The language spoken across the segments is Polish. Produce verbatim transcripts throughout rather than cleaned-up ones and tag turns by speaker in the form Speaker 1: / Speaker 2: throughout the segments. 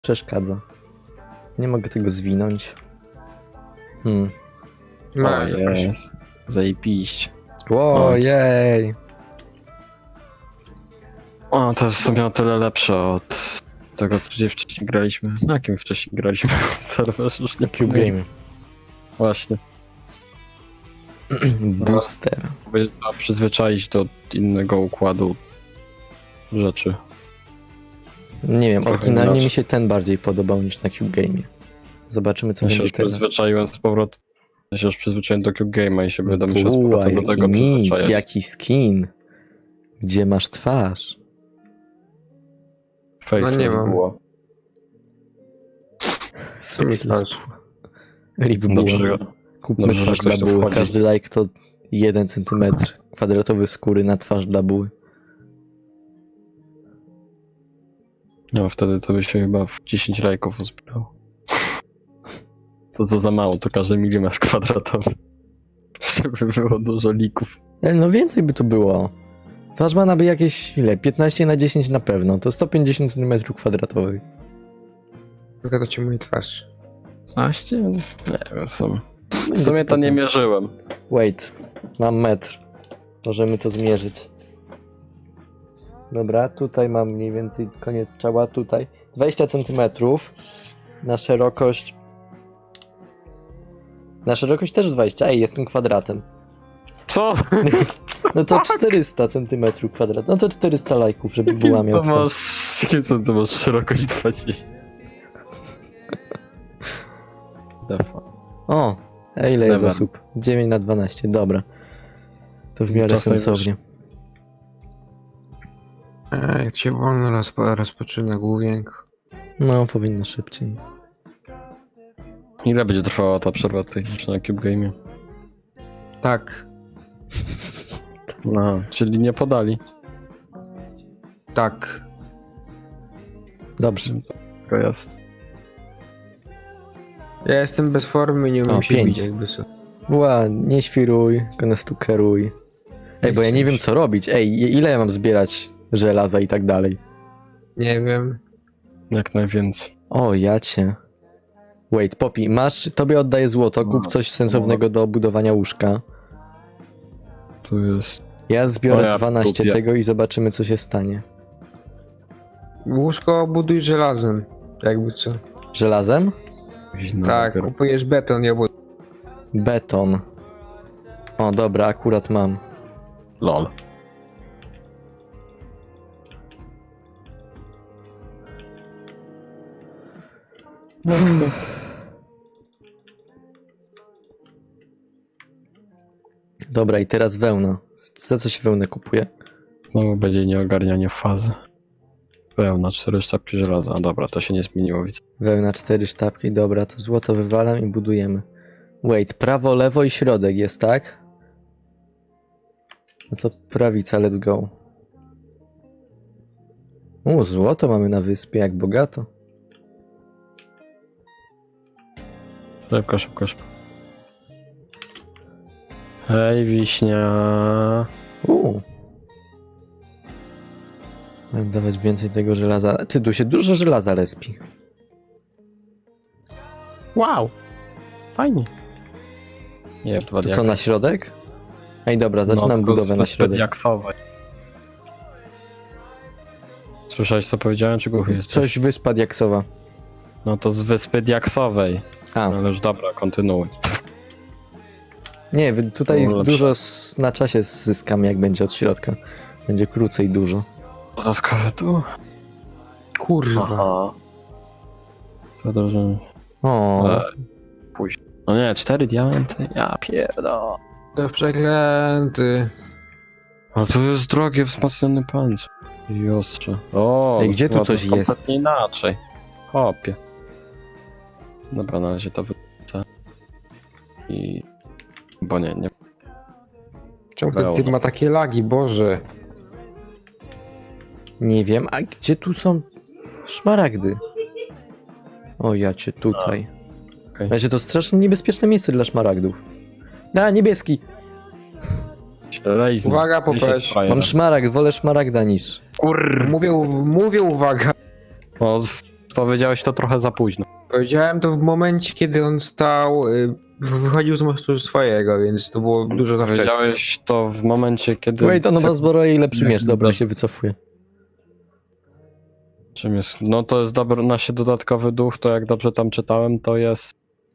Speaker 1: Przeszkadza. Nie mogę tego zwinąć. Hmm.
Speaker 2: Ma,
Speaker 3: O, jest. Zajebiście.
Speaker 1: Ojej.
Speaker 3: O, to jest sobie o tyle lepsze od tego, co gdzie wcześniej graliśmy. Na jakim wcześniej graliśmy? Serwer już nie
Speaker 1: Cube
Speaker 3: pamiętam.
Speaker 1: Game.
Speaker 3: Właśnie.
Speaker 1: Booster.
Speaker 3: By trzeba przyzwyczaić do innego układu rzeczy.
Speaker 1: Nie wiem,
Speaker 3: Trochę
Speaker 1: oryginalnie
Speaker 3: inaczej.
Speaker 1: mi się ten bardziej podobał niż na Cube Game. Zobaczymy, co
Speaker 3: Ja się
Speaker 1: będzie
Speaker 3: już
Speaker 1: teraz.
Speaker 3: przyzwyczaiłem z powrotem. Ja się już przyzwyczaiłem do Cube Game'a i się będę musiał z
Speaker 1: Buła,
Speaker 3: powrotem do
Speaker 1: jaki
Speaker 3: tego
Speaker 1: nick,
Speaker 3: przyzwyczajać.
Speaker 1: jaki skin. Gdzie masz twarz?
Speaker 3: Face
Speaker 2: No nie
Speaker 3: jest
Speaker 2: mam.
Speaker 3: buła.
Speaker 1: Faceless
Speaker 2: twarz.
Speaker 1: buła. Rip
Speaker 3: Dobrze,
Speaker 1: buła.
Speaker 3: że-
Speaker 1: Kupmy
Speaker 3: dobrze, że
Speaker 1: twarz
Speaker 3: ktoś
Speaker 1: dla
Speaker 3: tu
Speaker 1: buły.
Speaker 3: wchodzi.
Speaker 1: Każdy like to jeden centymetr kwadratowy skóry na twarz dla buły.
Speaker 3: No wtedy to by się chyba w dziesięć lajków uzbierało. To co za mało, to każdy milimetr kwadratowy. Żeby było dużo lików.
Speaker 1: Ale no więcej by tu było. Twarz ma by jakieś ile? piętnaście na dziesięć na pewno. To sto pięćdziesiąt centymetrów kwadratowych.
Speaker 2: Wygląda ci mój twarz.
Speaker 3: piętnaście? Nie wiem, w sumie. W sumie to nie mierzyłem.
Speaker 1: Wait, mam metr. Możemy to zmierzyć. Dobra, tutaj mam mniej więcej koniec czoła, tutaj dwadzieścia centymetrów na szerokość. Na szerokość też dwadzieścia. Ej, jestem kwadratem.
Speaker 3: Co?
Speaker 1: No to czterysta centymetrów kwadrat. No to czterysta lajków, żeby była miał
Speaker 3: to
Speaker 1: twarz.
Speaker 3: masz, jakim co to masz szerokość dwadzieścia? Defa.
Speaker 1: O, a ile jest
Speaker 3: Never.
Speaker 1: osób? dziewięć na dwanaście, dobra. To w miarę
Speaker 3: Czasem
Speaker 1: sensownie.
Speaker 2: Ej, jak się wolno rozpo, rozpoczyna główienko.
Speaker 1: No, powinno szybciej.
Speaker 3: Ile będzie trwała ta przerwa techniczna na Cube Game'ie?
Speaker 2: Tak,
Speaker 3: No, czyli nie podali.
Speaker 2: tak.
Speaker 1: Dobrze.
Speaker 3: To jest.
Speaker 2: Ja jestem bez formy i nie umiem
Speaker 1: O,
Speaker 2: się
Speaker 1: pięć.
Speaker 2: bić jakby co.
Speaker 1: Była, nie świruj, konestukeruj. Ej, bo ja nie wiem co robić. Ej, ile ja mam zbierać żelaza i tak dalej?
Speaker 2: Nie wiem.
Speaker 3: Jak najwięcej.
Speaker 1: O, ja cię. Wait, Poppy, masz, tobie oddaję złoto, kup coś sensownego do budowania łóżka.
Speaker 3: Tu jest.
Speaker 1: Ja
Speaker 3: O,
Speaker 1: zbiorę
Speaker 3: ja
Speaker 1: dwanaście
Speaker 3: kupię.
Speaker 1: tego i zobaczymy co się stanie.
Speaker 2: Łóżko buduj żelazem. Jakby co.
Speaker 1: Żelazem?
Speaker 3: No,
Speaker 2: Tak,
Speaker 3: dopiero.
Speaker 2: kupujesz beton, ja buduję.
Speaker 1: Beton. O, dobra, akurat mam.
Speaker 3: Lol.
Speaker 1: Dobra, i teraz wełna. Za co się wełnę kupuje?
Speaker 3: Znowu będzie nieogarnianie fazy. Pełna, cztery sztabki żelaza. A dobra, to się nie zmieniło, widzę.
Speaker 1: Wełna, cztery sztabki, dobra, to złoto wywalam i budujemy. Wait, prawo, lewo i środek jest, tak? No to prawica, let's go. U, złoto mamy na wyspie, jak bogato.
Speaker 3: Szybko, szybko, szybko. Hej, wiśnia.
Speaker 1: U. Mam dawać więcej tego żelaza. Ty, tu się dużo żelaza respi.
Speaker 3: Wow. Fajnie. Nie wiem, dwa
Speaker 1: To co, na środek? Ej, dobra, zaczynam
Speaker 3: no,
Speaker 1: budowę na środek.
Speaker 3: Jaksowej. Słyszałeś co powiedziałem, czy głuchy jesteś?
Speaker 1: Coś wyspa diaksowa.
Speaker 3: No to z wyspy Diaksowej.
Speaker 1: A,
Speaker 3: Ale już dobra, kontynuuj.
Speaker 1: nie, wy- tutaj
Speaker 3: No, lepsze.
Speaker 1: dużo s- na czasie zyskam, jak będzie od środka. Będzie krócej dużo.
Speaker 3: Dodatkowe tu?
Speaker 2: Kurwa.
Speaker 3: Aha. To dobrze.
Speaker 1: O,
Speaker 3: E, później. No nie, cztery diamenty? Ja pierdo.
Speaker 2: To przeklęty.
Speaker 3: Ale to jest drogie, wzmocniony pancerz. I ostrze. O,
Speaker 1: Ej, gdzie tu
Speaker 3: no to
Speaker 1: coś jest?
Speaker 3: kompletnie inaczej. Hopie. Dobra, na razie to wyrzucę. I... Bo nie, nie.
Speaker 2: Czemu ten typ
Speaker 3: Wełna.
Speaker 2: ma takie lagi, Boże?
Speaker 1: nie wiem, a gdzie tu są szmaragdy? O, ja cię tutaj.
Speaker 3: okej.
Speaker 1: Razie to strasznie niebezpieczne miejsce dla szmaragdów. A, niebieski!
Speaker 3: Lejzny.
Speaker 2: Uwaga, popatrz.
Speaker 1: Mam szmaragd, wolę szmaragda niż...
Speaker 3: Kur...
Speaker 2: Mówię, mówię uwaga.
Speaker 3: O, w- Powiedziałeś to trochę za późno.
Speaker 2: Powiedziałem to w momencie, kiedy on stał, y, wychodził z mostu swojego, więc to było dużo za wcześnie.
Speaker 3: Powiedziałeś to w momencie, kiedy...
Speaker 1: Wait, on ma zbroi lepszy
Speaker 3: Nie,
Speaker 1: miecz, dobra,
Speaker 3: dobra.
Speaker 1: się wycofuję.
Speaker 3: Czym jest? No to jest dobry, nasz dodatkowy duch, to jak dobrze tam czytałem, to jest...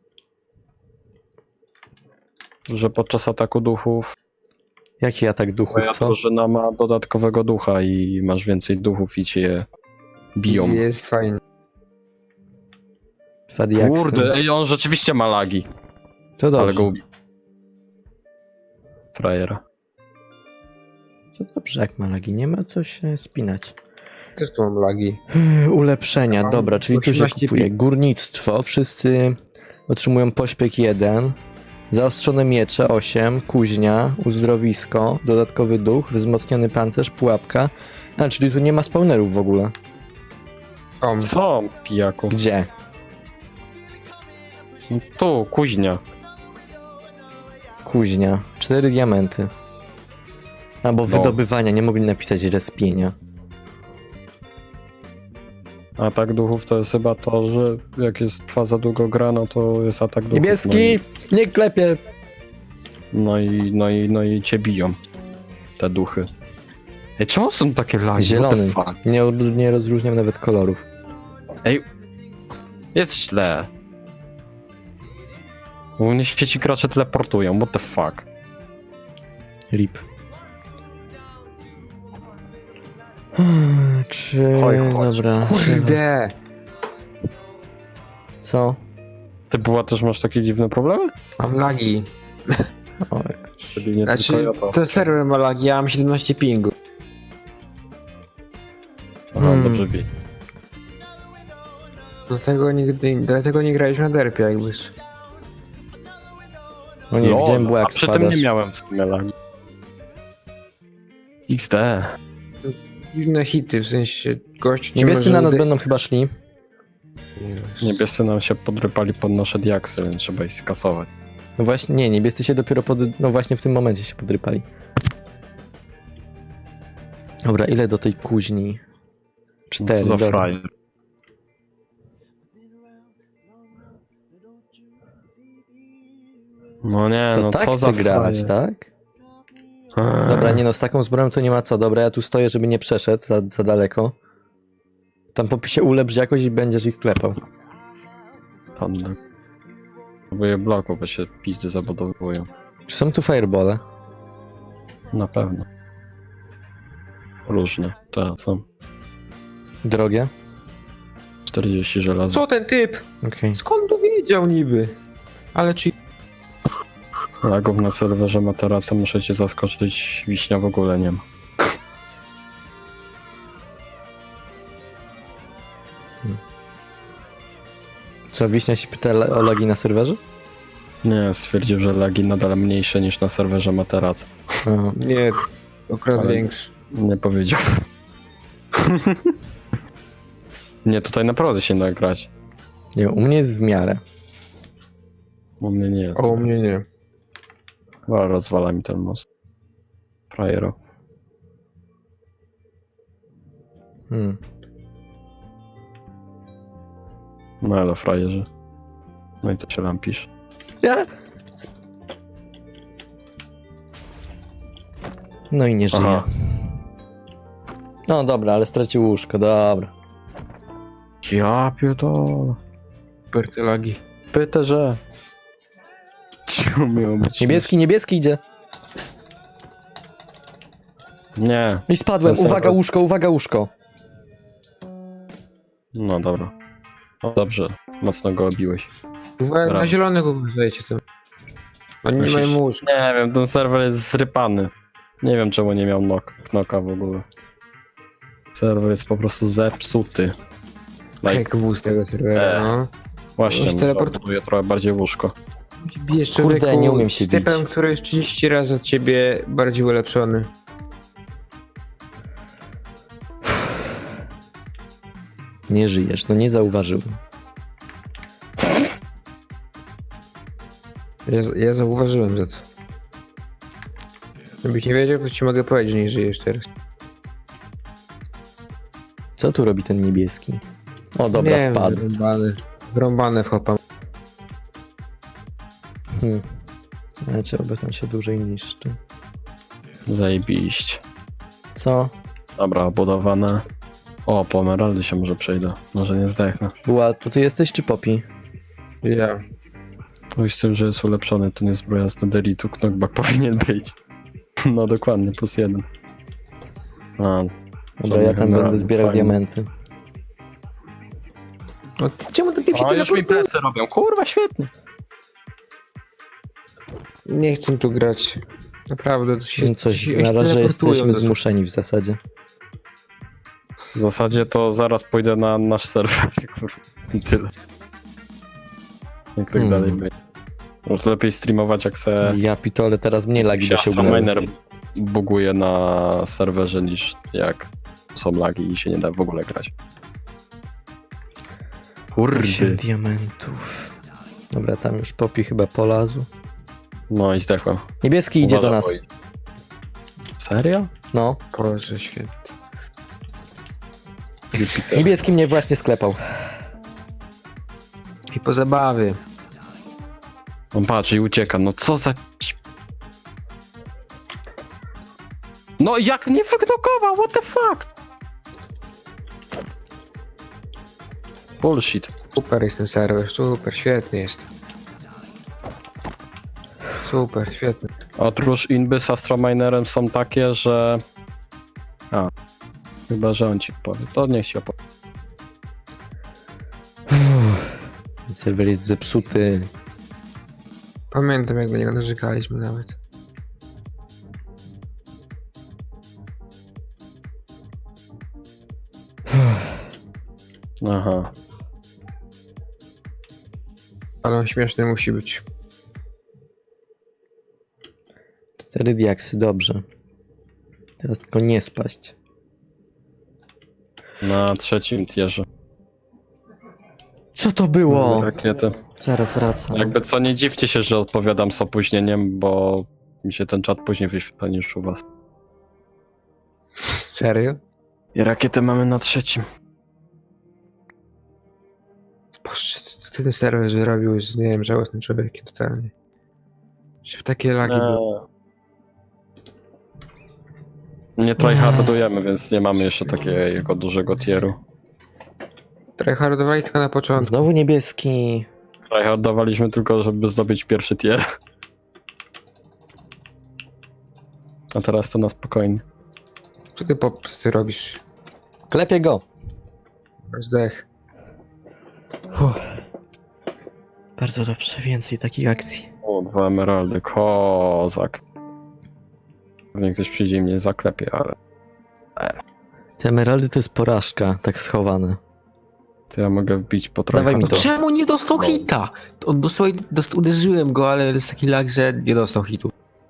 Speaker 3: że podczas ataku duchów
Speaker 1: Jaki atak duchów,
Speaker 3: twoja
Speaker 1: co?
Speaker 3: drużyna ma dodatkowego ducha i masz więcej duchów i cię je biją.
Speaker 2: Jest fajnie.
Speaker 1: Fadiaksy.
Speaker 3: Kurde, ej, on rzeczywiście ma lagi,
Speaker 1: To
Speaker 3: ale
Speaker 1: dobrze.
Speaker 3: go ubił. Frajera.
Speaker 1: To dobrze, jak ma lagi, nie ma co się spinać.
Speaker 2: Też tu mam lagi.
Speaker 1: Ulepszenia,
Speaker 2: Mam
Speaker 1: dobra, czyli tu się
Speaker 2: osiemnaście
Speaker 1: kupuje.
Speaker 2: pi-
Speaker 1: Górnictwo, wszyscy otrzymują pośpiech jeden, zaostrzone miecze osiem, kuźnia, uzdrowisko, dodatkowy duch, wzmocniony pancerz, pułapka. A, czyli tu nie ma spawnerów w ogóle.
Speaker 2: O,
Speaker 3: Co, pijaku?
Speaker 1: Gdzie?
Speaker 3: Tu, kuźnia.
Speaker 1: Kuźnia. Cztery diamenty. Albo
Speaker 3: No.
Speaker 1: wydobywania, nie mogli napisać respienia.
Speaker 3: Atak duchów to jest chyba to, że jak jest trwa za długo gra, no to jest atak duchów.
Speaker 1: Niebieski! Nie klepie!
Speaker 3: No i, no i, no i, no i cię biją. Te duchy. Ej, czemu są takie lagi?
Speaker 1: Zielony.
Speaker 3: What the fuck?
Speaker 1: Nie, nie rozróżniam nawet kolorów.
Speaker 3: Ej, jest źle. U mnie się ci gracze teleportują, what the fuck?
Speaker 1: Rip. Czy...
Speaker 3: Chodź, chodź.
Speaker 1: Dobra.
Speaker 2: kurde!
Speaker 1: Co?
Speaker 3: Ty była też masz takie dziwne problemy?
Speaker 2: Mam lagi.
Speaker 1: Oj.
Speaker 3: Czyli nie
Speaker 2: Znaczy,
Speaker 3: tylko ja to.
Speaker 2: to serwer ma lagi, ja mam siedemnaście pingu.
Speaker 3: Aha,
Speaker 1: Hmm.
Speaker 3: dobrze wie.
Speaker 2: Dlatego nigdy, dlatego nie graliśmy na derpie jakby.
Speaker 1: O nie,
Speaker 3: Lol,
Speaker 1: widziałem było
Speaker 3: a
Speaker 1: jak
Speaker 3: przy tym
Speaker 1: spadasz.
Speaker 3: nie miałem w sumie lagi. X D.
Speaker 2: Dziwne hity, w sensie gość... cię
Speaker 1: Niebiescy
Speaker 2: może
Speaker 1: na nas
Speaker 2: ude-
Speaker 1: będą chyba szli.
Speaker 3: Niebiescy nam się podrypali pod nasze diaksy, więc trzeba ich skasować.
Speaker 1: No właśnie, nie, niebiescy się dopiero pod... No właśnie w tym momencie się podrypali. Dobra, ile do tej kuźni? Cztery,
Speaker 3: Co za
Speaker 1: dobra.
Speaker 3: frajer. No nie,
Speaker 1: To
Speaker 3: no
Speaker 1: tak
Speaker 3: co
Speaker 1: chcę
Speaker 3: za
Speaker 1: grać,
Speaker 3: frajer.
Speaker 1: tak?
Speaker 3: Eee.
Speaker 1: Dobra, nie no, z taką zbroją to nie ma co. Dobra, ja tu stoję, żeby nie przeszedł za, za daleko. Tam popisie ulepsz jakoś i będziesz ich klepał.
Speaker 3: Panda. Próbuję bloku, bo się pizdy zabudowują.
Speaker 1: Czy są tu firebole?
Speaker 3: Na pewno. Różne. Tak, są.
Speaker 1: Drogie?
Speaker 3: czterdzieści żelaza.
Speaker 2: Co ten typ?
Speaker 1: Okej.
Speaker 2: Skąd tu wiedział niby? Ale czy...
Speaker 3: Lagów na serwerze Materaca muszę cię zaskoczyć, wiśnia w ogóle nie ma.
Speaker 1: Co, Wiśnia się pyta le- o lagi na serwerze?
Speaker 3: Nie, stwierdził, że lagi nadal mniejsze niż na serwerze Materaca.
Speaker 1: Aha.
Speaker 2: Nie, akurat
Speaker 3: Ale-
Speaker 2: większy.
Speaker 3: Nie powiedział. Nie, tutaj naprawdę się da grać.
Speaker 1: Nie, u mnie jest w miarę.
Speaker 3: U mnie nie jest.
Speaker 2: O, u mnie nie.
Speaker 3: Ale rozwala mi ten most. Frajero.
Speaker 1: Hmm.
Speaker 3: No ale frajerzy. No i to się lampisz.
Speaker 1: Ja? No i nie żyje.
Speaker 3: Aha.
Speaker 1: No dobra, ale stracił łóżko, dobra.
Speaker 3: Ja pierdolę.
Speaker 2: Super te lagi.
Speaker 3: Pytę, że... Ciu, miło być.
Speaker 1: Niebieski, niebieski idzie.
Speaker 3: Nie.
Speaker 1: I spadłem,
Speaker 3: To
Speaker 1: uwaga
Speaker 3: serwer-
Speaker 1: łóżko, uwaga łóżko.
Speaker 3: No dobra. O, dobrze. Mocno go obiłeś.
Speaker 2: Uwaga,
Speaker 3: Brawo.
Speaker 2: na zielonych uważajcie tam. Oni nie
Speaker 3: Myślisz-
Speaker 2: mają łóżka.
Speaker 3: Nie wiem, ten serwer jest zrypany. Nie wiem, czemu nie miał knock, knocka w ogóle. Serwer jest po prostu zepsuty. Like,
Speaker 2: Jak wóz tego serwera,
Speaker 3: E.
Speaker 2: no.
Speaker 3: właśnie,
Speaker 2: Już teleport-
Speaker 3: buduję trochę bardziej łóżko.
Speaker 2: Bijesz
Speaker 1: Kurde,
Speaker 2: człowieku
Speaker 1: nie umiem się
Speaker 2: z typem,
Speaker 1: bić.
Speaker 2: który jest trzydzieści razy od ciebie bardziej ulepszony.
Speaker 1: Nie żyjesz, no nie zauważyłem.
Speaker 2: Ja, ja zauważyłem za to. Gdybyś nie wiedział, to ci mogę powiedzieć, że nie żyjesz teraz.
Speaker 1: Co tu robi ten niebieski? O, dobra,
Speaker 2: Nie wiem,
Speaker 1: spadł.
Speaker 2: Wrąbany, wrąbany w hopa.
Speaker 1: Hmm. Ale trzeba by tam się dłużej niszczy.
Speaker 3: Zajebiście.
Speaker 1: Co?
Speaker 3: Dobra, obudowane. O, po emeraldy się może przejdę. Może nie zdechnę.
Speaker 1: Była, to ty jesteś czy Poppy?
Speaker 2: Ja.
Speaker 3: Oj, z tym, że jest ulepszony, to nie zbroja z Nederitu, knockback powinien być. No dokładnie, plus jeden. A,
Speaker 1: Dobra, ja tam będę
Speaker 3: emeraldów,
Speaker 1: zbierał
Speaker 3: fajnie.
Speaker 1: diamenty.
Speaker 2: No, ty- czemu ty się
Speaker 3: O, już mi
Speaker 2: teleportujesz?
Speaker 3: plecy robią, kurwa, świetnie.
Speaker 2: Nie chcę tu grać. Naprawdę, to się,
Speaker 1: No coś,
Speaker 2: się
Speaker 1: na razie
Speaker 2: teleportują
Speaker 1: jesteśmy
Speaker 2: do-
Speaker 1: zmuszeni w zasadzie.
Speaker 3: W zasadzie to zaraz pójdę na nasz serwer, kurwa, i tyle. Jak tak
Speaker 1: Hmm.
Speaker 3: dalej będzie. Może lepiej streamować, jak se
Speaker 1: Ja pitole, teraz mniej lagi by się
Speaker 3: Astro
Speaker 1: ubrały.
Speaker 3: Miner buguje na serwerze, niż jak są lagi i się nie da w ogóle grać.
Speaker 1: osiem diamentów. Dobra, tam już Poppy chyba polazł.
Speaker 3: No i zdechłem.
Speaker 1: Niebieski idzie do
Speaker 3: Uważaj,
Speaker 1: nas.
Speaker 3: oj. Serio?
Speaker 1: No.
Speaker 2: Boże święty.
Speaker 3: Jupiter.
Speaker 1: Niebieski mnie właśnie sklepał.
Speaker 2: I po zabawie.
Speaker 3: On patrzy i ucieka, no co za... No jak nie wyknokował, what the fuck? Bullshit.
Speaker 2: Super jest ten serwer, super, świetny jest. Super, świetny.
Speaker 3: Otóż inby z Astrominerem są takie, że... A, chyba, że on ci powie. To niech ci opowie.
Speaker 1: Serwer jest zepsuty.
Speaker 2: Pamiętam, jak do niego narzekaliśmy nawet.
Speaker 3: Aha.
Speaker 2: Ale on śmieszny musi być.
Speaker 1: Cztery diaksy, dobrze. Teraz tylko nie spaść.
Speaker 3: Na trzecim tierze.
Speaker 1: Co to było?
Speaker 3: Rakiety.
Speaker 1: Zaraz wracam.
Speaker 3: Jakby co, nie dziwcie się, że odpowiadam z opóźnieniem, bo mi się ten czat później wyświetla niż u was.
Speaker 2: Serio?
Speaker 3: I rakiety mamy na trzecim.
Speaker 2: Boże, co ty ten serwer zrobił? Jest, nie wiem, żałosnym człowiekiem totalnie. Że w takie lagi były.
Speaker 3: Nie tryhardujemy, więc nie mamy jeszcze takiego dużego tieru.
Speaker 2: Tryhardowali tylko na początku.
Speaker 1: Znowu niebieski.
Speaker 3: Tryhardowaliśmy tylko, żeby zdobyć pierwszy tier. A teraz to na spokojnie.
Speaker 2: Co ty, pop, co ty robisz?
Speaker 1: Klepię go.
Speaker 2: Zdech.
Speaker 1: Uff. Bardzo dobrze, więcej takich akcji.
Speaker 3: O, dwa emeraldy, kozak. Pewnie ktoś przyjdzie i mnie zaklepie, ale...
Speaker 1: Te emeraldy to jest porażka, tak schowane.
Speaker 3: To ja mogę wbić po
Speaker 1: Dawaj mi
Speaker 3: tryhardu.
Speaker 1: to.
Speaker 2: Czemu nie dostał hita? On dostał, dostał, uderzyłem go, ale jest taki lag, że nie dostał hitu.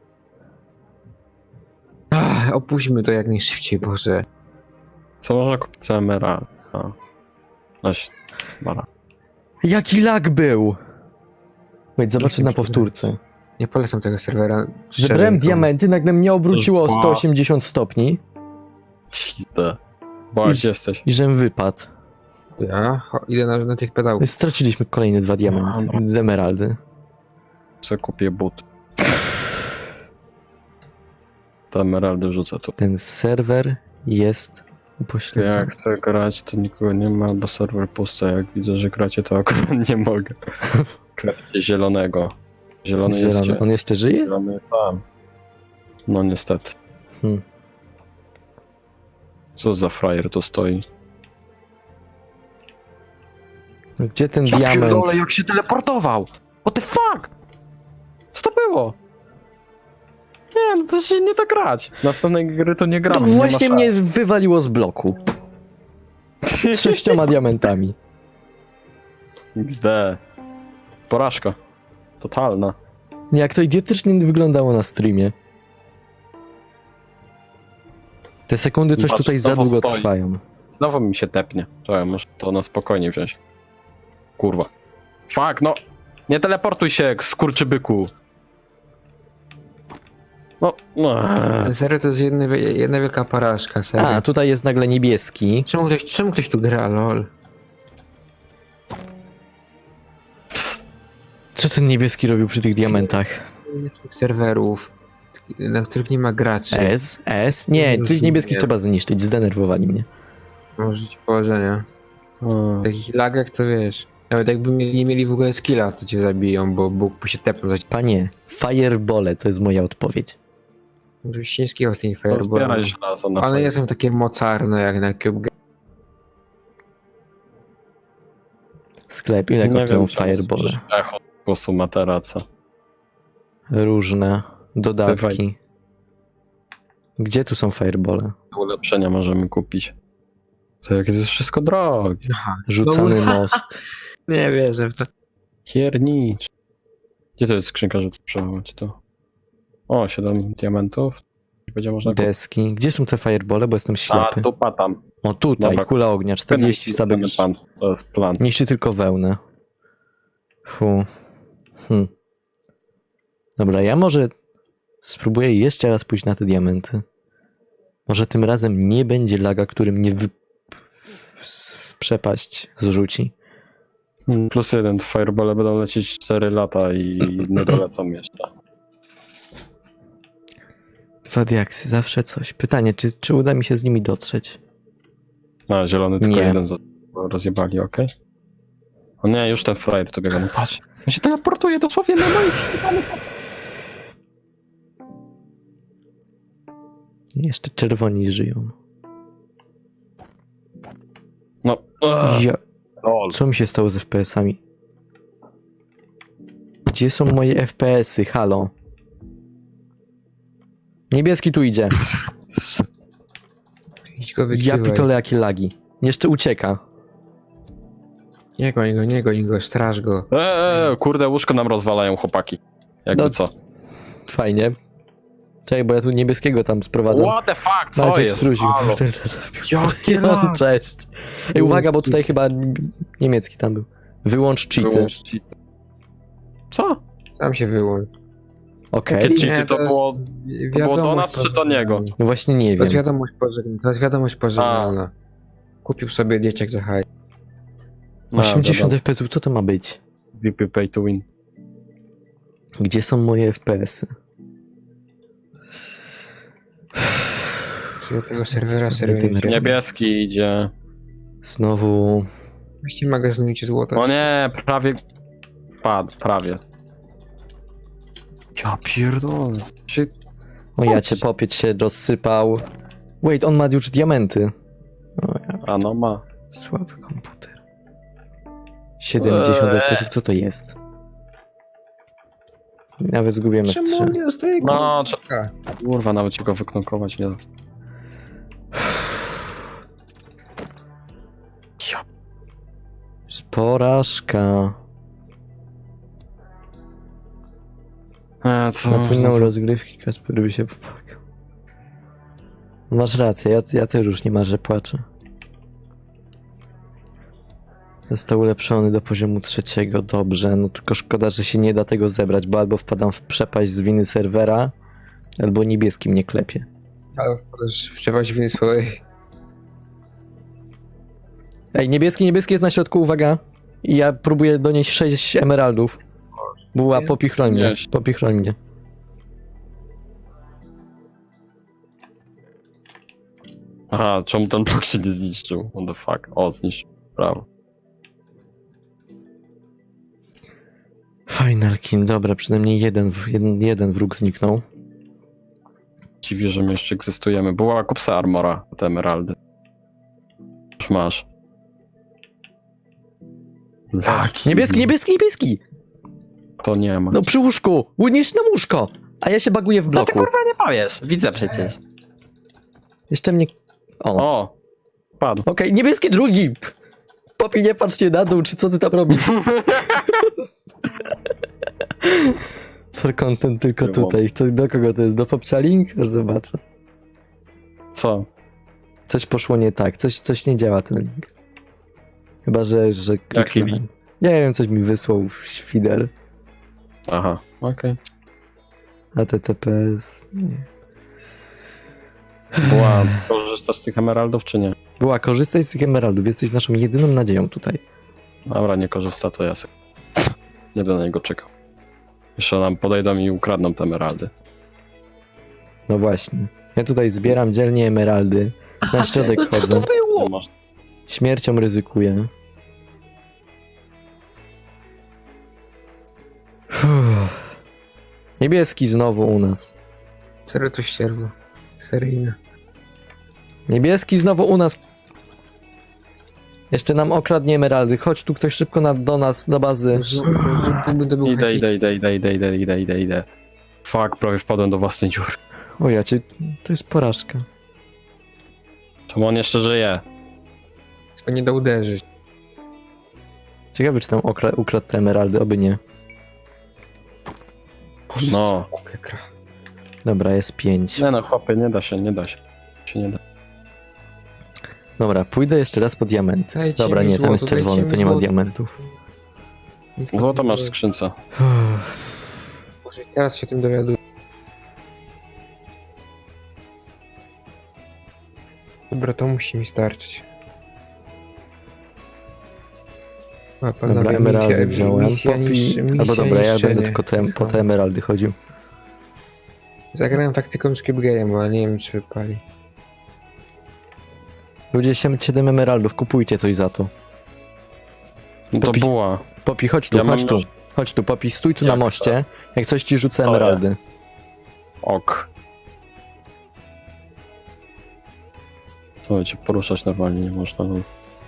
Speaker 2: Ach, opuśćmy to jak najszybciej, Boże.
Speaker 3: Co można kupić za emerald? A. Noś, bara.
Speaker 1: Jaki lag był! Wait, zobaczę na
Speaker 2: Jakim
Speaker 1: powtórce.
Speaker 2: Nie polecam tego serwera.
Speaker 1: Zebrałem
Speaker 2: Szczerze,
Speaker 1: diamenty, nagle mnie obróciło o
Speaker 3: Ba.
Speaker 1: sto osiemdziesiąt stopni
Speaker 3: Cizdę. Bo gdzie jesteś?
Speaker 1: i żem wypadł.
Speaker 2: Ja Cho, idę na, na tych pedałów.
Speaker 1: Straciliśmy kolejne dwa diamenty,
Speaker 3: no.
Speaker 1: emeraldy.
Speaker 3: Co kupię but. Te emeraldy wrzucę tu.
Speaker 1: Ten serwer jest upośledzony.
Speaker 3: Jak chcę grać, to nikogo nie ma, bo serwer pusty. Jak widzę, że gracie, to akurat nie mogę. Kracie zielonego. Zielony jest
Speaker 1: Zielony.
Speaker 3: gdzie?
Speaker 1: On jeszcze żyje?
Speaker 3: Zielony tam. No niestety.
Speaker 1: Hmm.
Speaker 3: Co za frajer to stoi?
Speaker 1: No gdzie ten
Speaker 3: Ja
Speaker 1: diament?
Speaker 3: pierdolę, jak się teleportował! What the fuck? Co to było? Nie, no to się nie da grać. Następnej gry to nie
Speaker 1: No
Speaker 3: gramy. nie ma
Speaker 1: właśnie
Speaker 3: szans.
Speaker 1: mnie wywaliło z bloku. Z sześcioma diamentami.
Speaker 3: X D. Porażka. Totalna.
Speaker 1: Jak to idiotycznie wyglądało na streamie. Te sekundy coś
Speaker 3: Patrz,
Speaker 1: tutaj za
Speaker 3: znowu
Speaker 1: długo
Speaker 3: stoi.
Speaker 1: trwają.
Speaker 3: Znowu mi się tepnie. Czekaj, muszę to na spokojnie wziąć. Kurwa. Fuck, no. Nie teleportuj się, skurczybyku. No, no.
Speaker 2: Ten serwer to jest jedna, jedna wielka porażka, serio.
Speaker 1: A, tutaj jest nagle niebieski.
Speaker 2: Czemu ktoś, czemu ktoś tu gra, lol?
Speaker 1: Co ten niebieski robił przy tych diamentach?
Speaker 2: Tych serwerów, na których nie ma graczy.
Speaker 1: S? S? Nie,
Speaker 2: Nie
Speaker 1: tych
Speaker 2: rozumiem.
Speaker 1: niebieskich trzeba zniszczyć, zdenerwowali mnie.
Speaker 2: Może ci powodzenia.
Speaker 3: O,
Speaker 2: W takich lagach to wiesz. Nawet jakby mie- nie mieli w ogóle skilla, to cię zabiją, bo Bóg by się tepnął za ciebie.
Speaker 1: Panie, firebole to jest moja odpowiedź.
Speaker 2: Ciężkiego z tymi
Speaker 3: to
Speaker 2: fireballami.
Speaker 3: zbieraj żelazo na
Speaker 2: One
Speaker 3: fajnie.
Speaker 2: nie są takie mocarne jak na Cube.
Speaker 1: Sklep, ile
Speaker 3: Nie
Speaker 1: kosztują
Speaker 3: wiem, czemu
Speaker 1: firebole?
Speaker 3: słyszysz echo głosu materaca.
Speaker 1: Różne dodatki. Gdzie tu są firebole?
Speaker 3: Ulepszenia możemy kupić. To jak jest wszystko drogie.
Speaker 2: Aha.
Speaker 1: Rzucany
Speaker 2: No,
Speaker 1: most.
Speaker 2: Nie wierzę w to.
Speaker 3: Piernicz. Gdzie to jest skrzynka, żeby przechować to? O, siedem diamentów. Będzie można kupić.
Speaker 1: Deski. Gdzie są te firebole, bo jestem
Speaker 3: A,
Speaker 1: ślepy.
Speaker 3: tupa tam.
Speaker 1: O tutaj,
Speaker 3: Dobra.
Speaker 1: kula ognia, czterdzieści stabek.
Speaker 3: Pan, to jest plan.
Speaker 1: Niszczy tylko wełnę. Fu. Hm. Dobra, ja może spróbuję jeszcze raz pójść na te diamenty. Może tym razem nie będzie laga, który mnie w, w, w przepaść zrzuci.
Speaker 3: Hmm, Plus jeden, firebole będą lecieć cztery lata i nie dolecą jeszcze.
Speaker 1: Dwa diaksy, zawsze coś. Pytanie, czy, czy uda mi się z nimi dotrzeć?
Speaker 3: A, zielony tylko
Speaker 1: Nie.
Speaker 3: jeden został. Rozjebali, okej. O nie, już ten frajer to biega, no patrz. On się teleportuje dosłownie na moich.
Speaker 1: Jeszcze czerwoni żyją.
Speaker 3: No, ugh,
Speaker 1: Ja,
Speaker 3: lol.
Speaker 1: co mi się stało z F P S-ami? Gdzie są moje F P S-y? Halo? Niebieski tu idzie.
Speaker 2: Idź go
Speaker 1: Ja
Speaker 2: wykiwaj.
Speaker 1: pitole jakie lagi. Jeszcze ucieka.
Speaker 2: Nie goń go, nie goń go, straż go.
Speaker 3: Eee, kurde, łóżko nam rozwalają chłopaki. Jakby
Speaker 1: No,
Speaker 3: co.
Speaker 1: Fajnie. Czekaj, bo ja tu niebieskiego tam sprowadzam.
Speaker 3: What the fuck, co
Speaker 1: Maciek
Speaker 3: jest?
Speaker 1: struził.
Speaker 3: Halo.
Speaker 1: Jakie
Speaker 3: lag.
Speaker 1: Cześć. Ej, uwaga, bo tutaj chyba niemiecki tam był. Wyłącz cheaty.
Speaker 3: Wyłącz cheaty. Co?
Speaker 2: Tam się wyłącz.
Speaker 1: Okej.
Speaker 3: Jakie cheaty?
Speaker 2: Nie,
Speaker 3: to
Speaker 2: jest
Speaker 3: było-
Speaker 2: wiadomość
Speaker 3: do nas, czy do niego?
Speaker 1: No właśnie nie
Speaker 2: To
Speaker 1: wiem.
Speaker 2: jest wiadomość pożegnalna. To jest wiadomość pożegnalna. Kupił sobie dzieciak za hajs.
Speaker 3: No,
Speaker 1: osiemdziesiąt
Speaker 3: wiadomo.
Speaker 1: F P S-ów, co to ma być?
Speaker 3: V P pay to win.
Speaker 1: Gdzie są moje F P S-y?
Speaker 2: Czyli tego serwera
Speaker 1: Sobie tym
Speaker 2: serwer.
Speaker 1: robię.
Speaker 3: Niebieski idzie.
Speaker 1: Znowu...
Speaker 2: Właśnie magazynujcie złoto.
Speaker 3: O nie, prawie padł, prawie. Ja pierdolę. Czy...
Speaker 1: O, ja cię popieć się rozsypał. Wait, on ma już diamenty. O, ja,
Speaker 3: A no ma.
Speaker 1: słaby komputer. siedemdziesiąt
Speaker 3: Eee.
Speaker 1: F P S-ów, co to jest? Nawet zgubiłem F trzy.
Speaker 2: Czemu nie dostaje go?
Speaker 3: No, czy...
Speaker 2: A,
Speaker 3: kurwa, nawet się go wyknąkować nie da. Ja...
Speaker 1: Porażka.
Speaker 3: E, co?
Speaker 1: Napłynął rozgrywki, Kasper by się popłakał. Masz rację, ja, ja też już nie marzę, płaczę. Został ulepszony do poziomu trzeciego, dobrze, no tylko szkoda, że się nie da tego zebrać, bo albo wpadam w przepaść z winy serwera, albo niebieski mnie klepie.
Speaker 2: ale możesz wczepiać winy swojej.
Speaker 1: Ej, niebieski, niebieski jest na środku, uwaga. I ja próbuję donieść sześć emeraldów. Była, popichroń mnie,
Speaker 3: Nieś.
Speaker 1: popichroń mnie.
Speaker 3: Aha, czemu ten blok się nie zniszczył? What the fuck? O, zniszczył. Brawo.
Speaker 1: Final King, dobra, przynajmniej jeden, w- jeden, jeden wróg zniknął.
Speaker 3: Dziwię, że my jeszcze egzystujemy. Była kupsa armora, te emeraldy. Już masz. Laki.
Speaker 1: Niebieski, niebieski, niebieski!
Speaker 3: To nie ma.
Speaker 1: No przy łóżku! Łyniesz na łóżko! A ja się baguję w bloku.
Speaker 3: nie powiesz? Widzę przecież.
Speaker 1: Jeszcze mnie... O, okej,
Speaker 3: O! Padł.
Speaker 1: niebieski drugi! Popi, nie patrzcie na dół, czy co ty tam robisz? For content tylko
Speaker 3: Nie
Speaker 1: tutaj. To do kogo to jest? Do Popchalink? Już zobaczę.
Speaker 3: Co?
Speaker 1: Coś poszło nie tak, coś, coś nie działa ten link. Chyba, że, że kliknąłem.
Speaker 3: link?
Speaker 1: Nie wiem, coś mi wysłał w świder.
Speaker 3: Aha, okej.
Speaker 1: H T T P S. Nie.
Speaker 3: Była, korzystasz z tych emeraldów, czy nie?
Speaker 1: Była, korzystaj z tych emeraldów, jesteś naszą jedyną nadzieją tutaj.
Speaker 3: Dobra, nie korzysta, to ja sobie. Nie będę na niego czekał. Jeszcze nam podejdą i ukradną te emeraldy.
Speaker 1: No właśnie. Ja tutaj zbieram dzielnie emeraldy. Na środek
Speaker 2: no co
Speaker 1: chodzę.
Speaker 2: to było?
Speaker 3: Nie masz.
Speaker 1: Śmiercią ryzykuję. Uff. Niebieski znowu u nas.
Speaker 2: Serio to ścierwo. Seryjne.
Speaker 1: Niebieski znowu u nas. Jeszcze nam okradnie emeraldy. Chodź tu ktoś szybko na, do nas, do bazy.
Speaker 2: Znowu to był
Speaker 3: Idę,
Speaker 2: happy.
Speaker 3: idę, idę, idę, idę, idę, idę, idę, idę. Fuck, prawie wpadłem do własnej dziury.
Speaker 1: O ja cię, to jest porażka.
Speaker 3: Czemu on jeszcze żyje?
Speaker 2: To nie da uderzyć.
Speaker 1: Ciekawe czy tam okra- ukradł te emeraldy, oby nie.
Speaker 2: Boże,
Speaker 3: No.
Speaker 2: głupia gra.
Speaker 1: Dobra, jest pięć.
Speaker 3: Nie no, chłopie, nie da się, nie da się. się nie da.
Speaker 1: Dobra, pójdę jeszcze raz po diamenty.
Speaker 2: Dajcie
Speaker 1: Dobra,
Speaker 2: mi
Speaker 1: nie, tam jest
Speaker 2: złoto,
Speaker 1: czerwony,
Speaker 2: dajcie
Speaker 1: to
Speaker 2: mi
Speaker 1: nie ma
Speaker 2: złoto.
Speaker 1: diamentów.
Speaker 2: Nic
Speaker 3: Złoto
Speaker 2: nie
Speaker 3: masz w
Speaker 2: było.
Speaker 3: skrzynce.
Speaker 2: Boże, teraz się tym dowiaduję. Dobra, to musi mi starczyć. A, panowie,
Speaker 1: Dobra,
Speaker 2: misja-
Speaker 1: emeraldy wziąłem.
Speaker 2: misja
Speaker 1: Popi...
Speaker 2: niszczy-
Speaker 1: Albo
Speaker 2: misja
Speaker 1: dobra, ja
Speaker 2: niszczenie.
Speaker 1: będę tylko te, po te emeraldy chodził.
Speaker 2: Zagrałem taktyką Skip Game, ale nie wiem czy wypali.
Speaker 1: Ludzie, siedem emeraldów, kupujcie coś za to.
Speaker 3: No to
Speaker 1: Popi-
Speaker 3: była.
Speaker 1: Popi, chodź tu,
Speaker 3: Ja mam
Speaker 1: chodź tu.
Speaker 3: już-
Speaker 1: Chodź tu, Popi, stój tu
Speaker 3: Jak
Speaker 1: na moście. Jak coś ci rzucę
Speaker 3: Stoję.
Speaker 1: emeraldy.
Speaker 3: Ok. To cię poruszać normalnie nie można. No.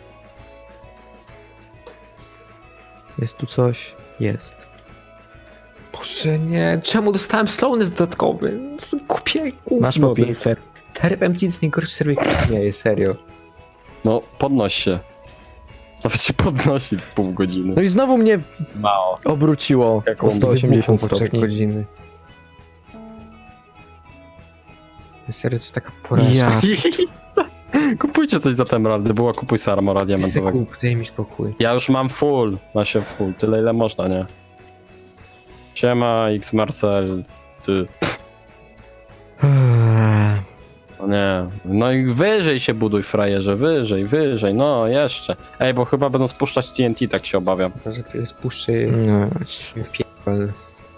Speaker 1: Jest tu coś? Jest.
Speaker 2: Boże nie, czemu dostałem slowness dodatkowy? Kupię gówno.
Speaker 1: Masz Popi?
Speaker 2: ten ser. Terp M T to jest najgorszy serwer jaki istnieje, serio.
Speaker 3: no, podnoś się. Nawet się podnosi w pół godziny.
Speaker 1: No i znowu mnie
Speaker 3: Mało.
Speaker 1: obróciło
Speaker 3: Jak
Speaker 1: o
Speaker 3: on
Speaker 1: sto osiemdziesiąt
Speaker 2: Wybuchło po trzech
Speaker 1: stopni.
Speaker 2: godziny. Serio, to jest taka porażka.
Speaker 1: Ja.
Speaker 3: Kupujcie coś za te emeraldy, była kupuj sobie armora
Speaker 2: Ty
Speaker 3: diamentowego.
Speaker 2: kup, daj mi spokój.
Speaker 3: Ja już mam full, ma się full, tyle ile można, nie? Siema, X Marcel, ty. No nie. No i wyżej się buduj, frajerze, wyżej, wyżej, no jeszcze. Ej, bo chyba będą spuszczać T N T, tak się obawiam.
Speaker 2: To za chwilę spuszczę je
Speaker 1: No,
Speaker 2: w pierdol.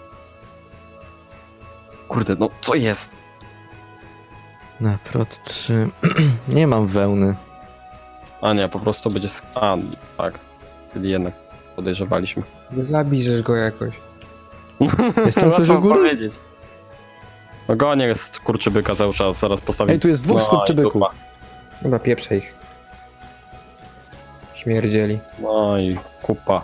Speaker 3: Kurde, no co jest?
Speaker 1: na prot trzy. Nie mam wełny.
Speaker 3: A nie, po prostu będzie... sk- A, tak. Czyli jednak podejrzewaliśmy.
Speaker 2: No zabijesz go jakoś.
Speaker 1: Jestem ktoś u
Speaker 3: Łatwo
Speaker 1: góry?
Speaker 3: powiedzieć. No gonię jest kurczybyka cały czas, zaraz postawię.
Speaker 1: Ej, tu jest dwóch
Speaker 3: No i
Speaker 1: skurczybyków.
Speaker 3: dupa.
Speaker 2: Chyba pieprze ich. Śmierdzieli.
Speaker 3: No i kupa.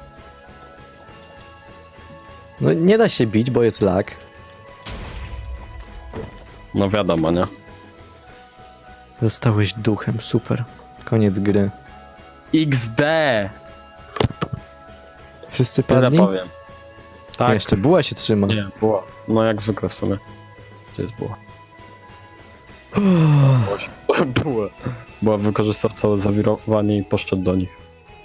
Speaker 1: No nie da się bić, bo jest lag.
Speaker 3: No wiadomo, nie?
Speaker 1: Zostałeś duchem, super. Koniec gry.
Speaker 3: X D!
Speaker 1: Wszyscy
Speaker 3: Tyle
Speaker 1: padli?
Speaker 3: powiem. Tak.
Speaker 1: Jeszcze buła się trzyma.
Speaker 3: Nie, było. No jak zwykle w sumie. Gdzie jest była? Była. Była wykorzystała całe zawirowanie i poszedł do nich.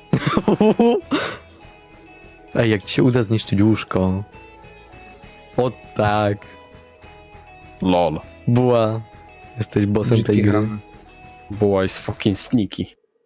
Speaker 1: Ej, jak ci się uda zniszczyć łóżko. O tak.
Speaker 3: Lol.
Speaker 1: Buła. Jesteś bossem tej gry.
Speaker 3: Była jest fucking sneaky.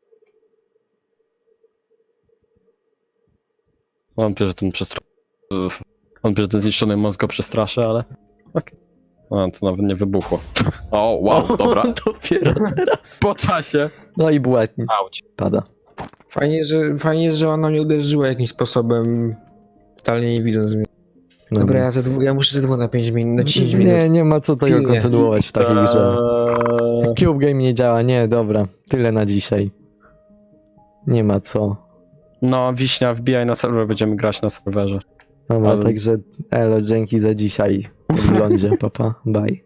Speaker 3: Wątpię, że ten przestra... Wątpię, że ten zniszczony mózg go przestraszy, ale... Okej. A, to nawet nie wybuchło. O, wow, dobra.
Speaker 1: Dopiero teraz.
Speaker 3: Po czasie.
Speaker 1: No i buła
Speaker 3: Auć.
Speaker 1: pada.
Speaker 2: Fajnie, że, fajnie, że ona mnie uderzyła jakimś sposobem. Totalnie nie widząc mnie.
Speaker 1: No.
Speaker 2: Dobra, ja, za dwu, ja muszę ze dwóch na pięć minut, na dziesięć minut.
Speaker 1: Nie, nie ma co tego
Speaker 2: Pilnie.
Speaker 1: kontynuować w takiej grze.
Speaker 3: Eee,
Speaker 1: Cube Game nie działa, nie, dobra. Tyle na dzisiaj. Nie ma co.
Speaker 3: No, Wiśnia, wbijaj na serwer, będziemy grać na serwerze.
Speaker 1: Dobra,
Speaker 3: Ale-
Speaker 1: także elo, dzięki za dzisiaj. W oglądzie, papa, bye.